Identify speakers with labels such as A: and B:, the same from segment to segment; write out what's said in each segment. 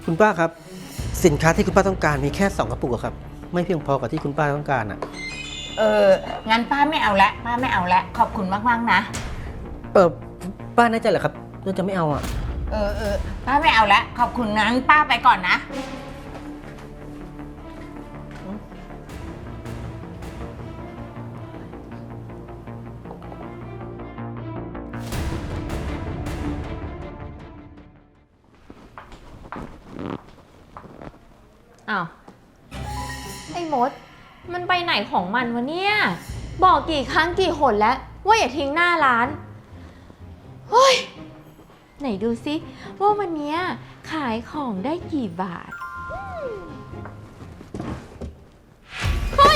A: คุณป้าครับสินค้าที่คุณป้าต้องการมีแค่2กระปุกอะครับไม่เพียงพอกับที่คุณป้าต้องการอะ
B: งั้นป้าไม่เอาละป้าไม่เอาละขอบคุณมากๆนะ
A: ป้าแน่ใจเหรอครับว่าจะไม่เอาอะ
B: ป้าไม่เอาละขอบคุณงั้นป้าไปก่อนนะ
C: อ้าวไอ้มดมันไปไหนของมันวะเนี่ยบอกกี่ครั้งกี่หนแล้วว่าอย่าทิ้งหน้าร้านเฮ้ยไหนดูซิว่าวันเนี้ยขายของได้กี่บาทเฮ้ย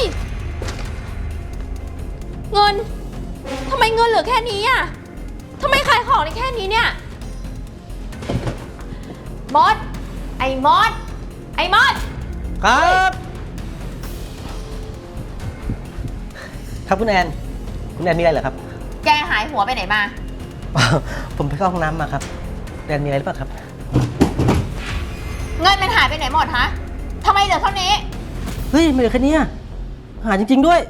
C: เงินทำไมเงินเหลือแค่นี้อ่ะทำไมขายของได้แค่นี้เนี่ยมดไอ้มดไอ้มด
A: ครับครับคุณแอนมีอะไรเหรอครับ
B: แกหายหัวไปไหนมา
A: ผมไปเข้าห้องน้ำมาครับแอนมีอะไรหรือเปล่าครับ
B: เงินมันหายไปไหนหมดฮะทำไมเหลือเท่านี้
A: เฮ้ยไม่เหลือแค่นี้หาจริงๆด้วย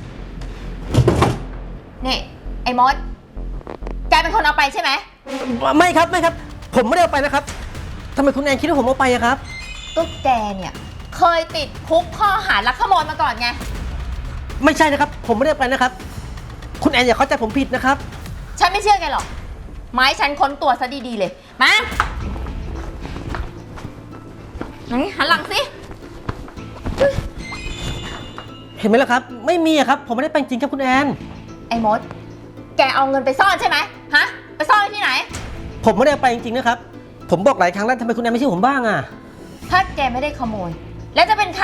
B: นี่ไอ้มดแกเป็นคนเอาไปใช่ไหม
A: ไม่ครับผมไม่ได้เอาไปนะครับทำไมคุณแอนคิดว่าผมเอาไปอะครับ
B: ก็แกเนี่ยเคยติดคุกข้อหาลักขโมยมาก่อนไง
A: ไม่ใช่นะครับผมไม่ได้เอาไปนะครับคุณแอนอย่าเข้าใจผมผิดนะครับ
B: ฉันไม่เชื่อแกหรอกไม้ฉันค้นตัวซะดีๆเลยมาไหนหันหลังสิ
A: เห็นไหมล่ะครับไม่มีอะครับผมไม่ได้ไปจริงครับคุณแอน
B: ไอ้มดแกเอาเงินไปซ่อนใช่ไหมฮะไปซ่อนไว้ที่ไหน
A: ผมไม่ได้ไปจริงๆนะครับผมบอกหลายครั้งแล้วทำไมคุณแอนไม่เชื่อผมบ้างอะ
B: ถ้าแกไม่ได้ขโมยแล้วจะเป็นใคร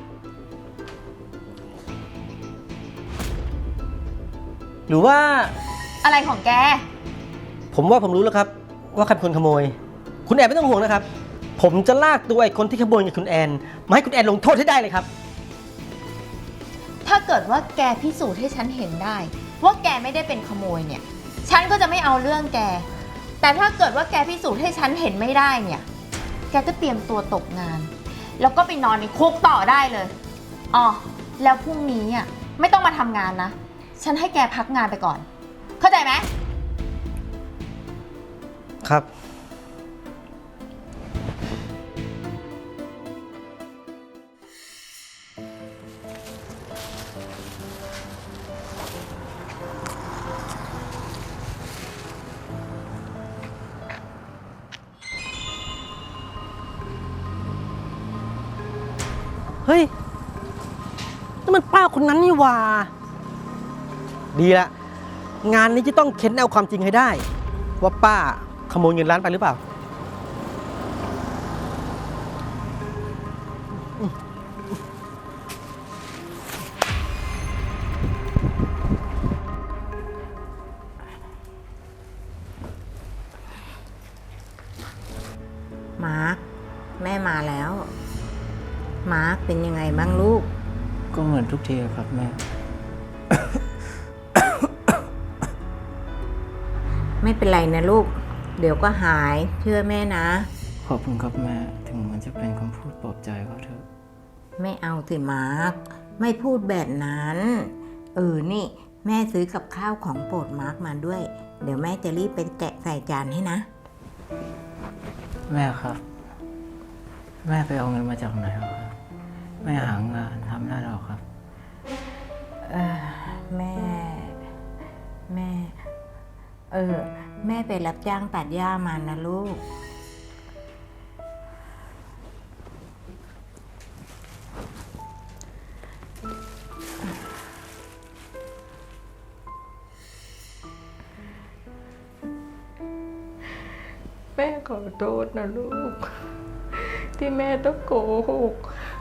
A: หรือว่า
B: อะไรของแก
A: ผมว่าผมรู้แล้วครับว่าใครเป็นคนขโมยคุณแอนไม่ต้องห่วงนะครับผมจะลากตัวไอ้คนที่ขโมยกับคุณแอนมาให้คุณแอนลงโทษให้ได้เลยครับ
B: ถ้าเกิดว่าแกพิสูจน์ให้ฉันเห็นได้ว่าแกไม่ได้เป็นขโมยเนี่ยฉันก็จะไม่เอาเรื่องแกแต่ถ้าเกิดว่าแกพิสูจน์ให้ฉันเห็นไม่ได้เนี่ยแกก็เตรียมตัวตกงานแล้วก็ไปนอนในคุกต่อได้เลยอ๋อแล้วพรุ่งนี้อ่ะไม่ต้องมาทำงานนะฉันให้แกพักงานไปก่อนเข้าใจไหม
A: ครับเฮ้ยนั่นมันป้าคนนั้นนี่หว่าดีละงานนี้จะต้องเค้นเอาความจริงให้ได้ว่าป้าขโมยเงินร้านไปหรือเปล่า
B: มาร์คแม่มาแล้วมาร์คเป็นยังไงบ้างลูก
D: ก็เหมือนทุกทีครับแม่
B: ไม่เป็นไรนะลูกเดี๋ยวก็หายเชื่อแม่นะ
D: ขอบคุณครับแม่ถึงมันจะเป็นคำพูดปลอบใจก็เถอะ
B: ไม่เอาสิมาร์คไม่พูดแบบนั้นนี่แม่ซื้อกับข้าวของโปรดมาร์คมาด้วยเดี๋ยวแม่จะรีบไปแกะใส่จานให้นะ
D: แม่ครับแม่ไปเอาเงินมาจากไหนครับแม่หางานทำได้หรอครับ
B: แม่แม่ไปรับจ้างตัดหญ้ามานะลูก
E: แม่ขอโทษนะลูกที่แม่ต้องโกหก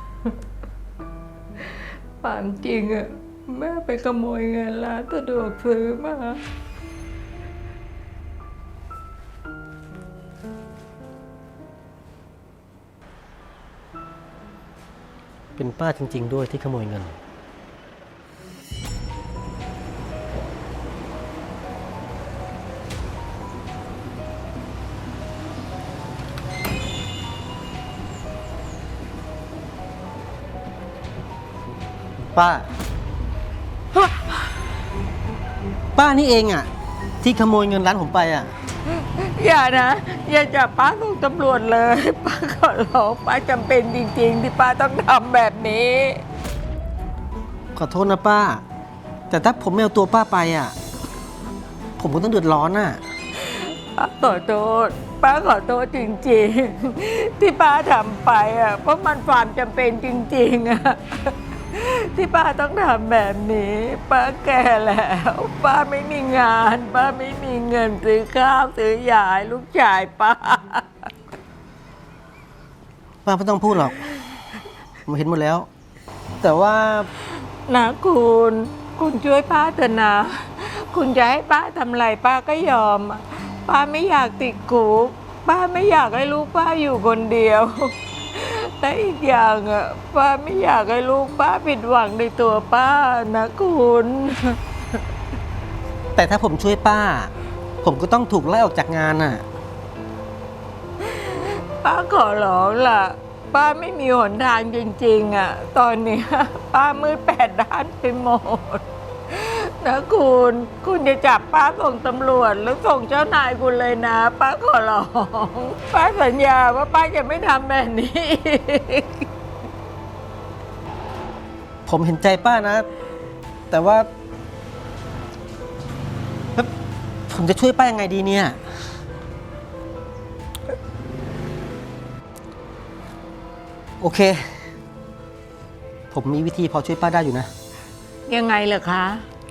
E: ความจริงอะแม่ไปขโมยเงินร้านสะดวกซื้อมา
A: เป็นป้าจริงๆด้วยที่ขโมยเงินป้า ป้านี่เองอ่ะ ที่ขโมยเงินร้านผมไปอ่ะ
E: อย่านะ อย่าจับป้าส่งตำรวจเลย ป้าขอร้องป้าจำเป็นจริงๆ ที่ป้าต้องทำแบบนี้
A: ขอโทษนะป้า แต่ถ้าผมไม่เอาตัวป้าไปอ่ะ ผมก็ต้องเดือดร้อนอ่ะ
E: ป้าขอโทษ ป้าขอโทษจริงๆ ที่ป้าทำไปอ่ะ เพราะมันความจำเป็นจริงๆอ่ะ ที่ป้าต้องทำแบบนี้ ป้าแก่แล้ว ป้าไม่มีงาน ป้าไม่มีเงินซื้อข้าวซื้อยาให้ลูกชายป้า
A: ป้าไม่ต้องพูดหรอก ผมเห็นหมดแล้ว แต่ว่า
E: นะคุณช่วยป้าเถอะนะ คุณจะให้ป้าทำอะไรป้าก็ยอม ป้าไม่อยากติดคุกป้าไม่อยากให้ลูกป้าอยู่คนเดียว และอีกอย่างอ่ะป้าไม่อยากให้ลูกป้าผิดหวังในตัวป้านะคุณ
A: แต่ถ้าผมช่วยป้า ผมก็ต้องถูกไล่ออกจากงานน่ะ
E: ป้าขอร้องล่ะ ป้าไม่มีหนทางจริงๆอ่ะ ตอนเนี้ยป้ามืดแปดด้านไปหมดนะคุณจะจับป้าส่งตำรวจแล้วส่งเจ้านายคุณเลยนะ ป้าขอร้อง ป้าสัญญาว่าป้าจะไม่ทำแบบนี้อีก
A: ผมเห็นใจป้านะ แต่ว่าแล้วผมจะช่วยป้ายังไงดีเนี่ย โอเค ผมมีวิธีพอช่วยป้าได้อยู่นะ
E: ยังไงล่ะคะ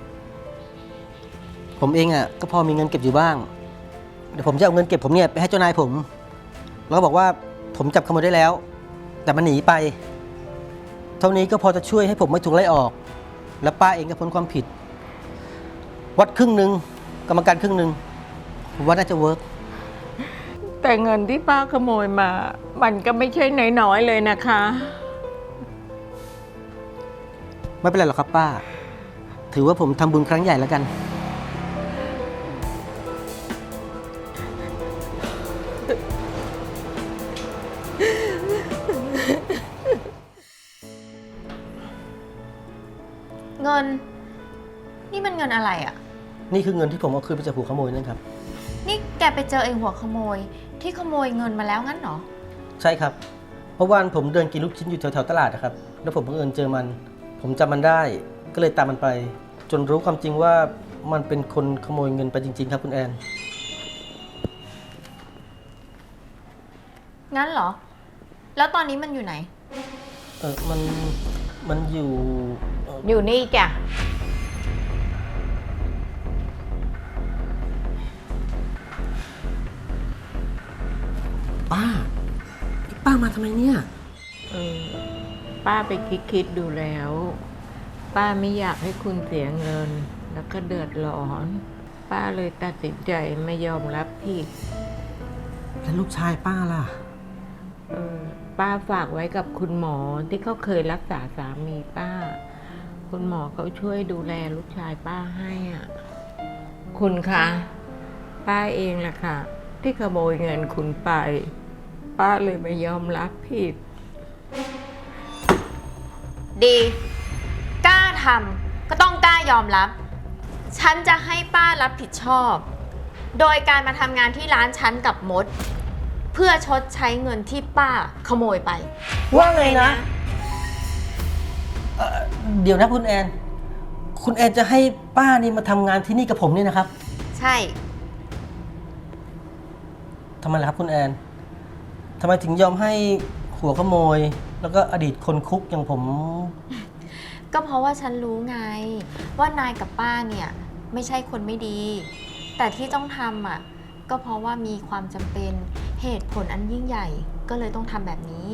A: ผมเองอ่ะก็พอมีเงินเก็บอยู่บ้าง เดี๋ยวผมจะเอาเงินเก็บผมเนี่ยไปให้เจ้านายผม แล้วก็บอกว่าผมจับขโมยได้แล้ว แต่มันหนีไป เท่านี้ก็พอจะช่วยให้ผมไม่ถูกไล่ออก และป้าเองก็พ้นความผิด วัดครึ่งหนึ่งกรรมการครึ่งหนึ่งผมว่าน่าจะเวิร์ก
E: แต่เงินที่ป้าขโมยมา มันก็ไม่ใช่น้อยๆเลยนะคะ
A: ไม่เป็นไรหรอกครับป้า ถือว่าผมทำบุญครั้งใหญ่แล้วกัน
B: เงิน นี่มันเงินอะไรอะ่ะ
A: นี่คือเงินที่ผมเอาคืนไปจากหัวขโมยนั่นครับ
B: นี่แกไปเจอไอ้หัวขโมย ที่ขโมยเงินมาแล้วงั้นเหรอ
A: ใช่ครับ เพราะวันผมเดินกินลูกชิ้นอยู่แถวๆตลาดนะครับ แล้วผมบังเอิญเจอมัน ผมจำมันได้ ก็เลยตามมันไป จนรู้ความจริงว่ามันเป็นคนขโมยเงินไปจริงๆครับคุณแอน
B: งั้นเหรอ แล้วตอนนี้มันอยู่ไหน
A: มันอยู่
E: อยู่นี่จ้ะ
A: ป้ามาทำไมเนี่ย
E: ป้าไปคิดดูแล้ว ป้าไม่อยากให้คุณเสียเงิน แล้วก็เดือดร้อน ป้าเลยตัดสินใจไม่ยอมรับผิด
A: แล้วลูกชายป้าล่ะ
E: ป้าฝากไว้กับคุณหมอที่เขาเคยรักษาสามีป้า คุณหมอเขาช่วยดูแลลูกชายป้าให้อ่ะ คุณคะป้าเองแหละค่ะ ที่ขโมยเงินคุณไป ป้าเลยไม่ยอมรับผิด
B: ดี กล้าทำก็ต้องกล้ายอมรับ ฉันจะให้ป้ารับผิดชอบ โดยการมาทำงานที่ร้านฉันกับมด เพื่อชดใช้เงินที่ป้าขโมยไป
A: ว่าไงนะ เดี๋ยวนะคุณแอน คุณแอนจะให้ป้านี่มาทำงานที่นี่กับผมเนี่ยนะครับ
B: ใช่
A: ทำไมล่ะครับคุณแอน ทำไมถึงยอมให้หัวขโมย แล้วก็อดีตคนคุกอย่างผม
B: ก็เพราะว่าฉันรู้ไง ว่านายกับป้าเนี่ยไม่ใช่คนไม่ดี แต่ที่ต้องทำอ่ะก็เพราะว่ามีความจำเป็นเหตุผลอันยิ่งใหญ่ก็เลยต้องทำแบบนี้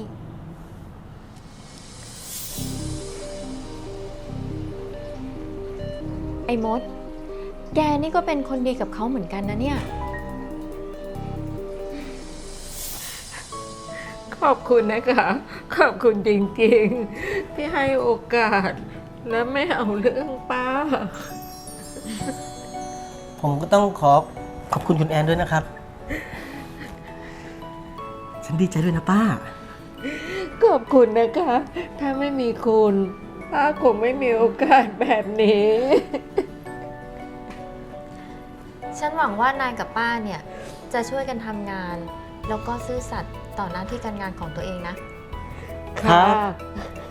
B: ไอ้มด แกนี่ก็เป็นคนดีกับเขาเหมือนกันนะเนี่ย
E: ขอบคุณนะคะ ขอบคุณจริงๆ ที่ให้โอกาส และไม่เอาเรื่องป้า
A: ผมก็ต้องขอบคุณคุณแอนด้วยนะครับ ฉันดีใจด้วยนะป้า
E: ขอบคุณนะคะ ถ้าไม่มีคุณป้าคงไม่มีโอกาสแบบนี้
C: ฉันหวังว่านายกับป้าเนี่ยจะช่วยกันทำงาน แล้วก็ซื่อสัตย์ต่อหน้าที่การงานของตัวเองนะ
A: ครับ
E: ค่ะ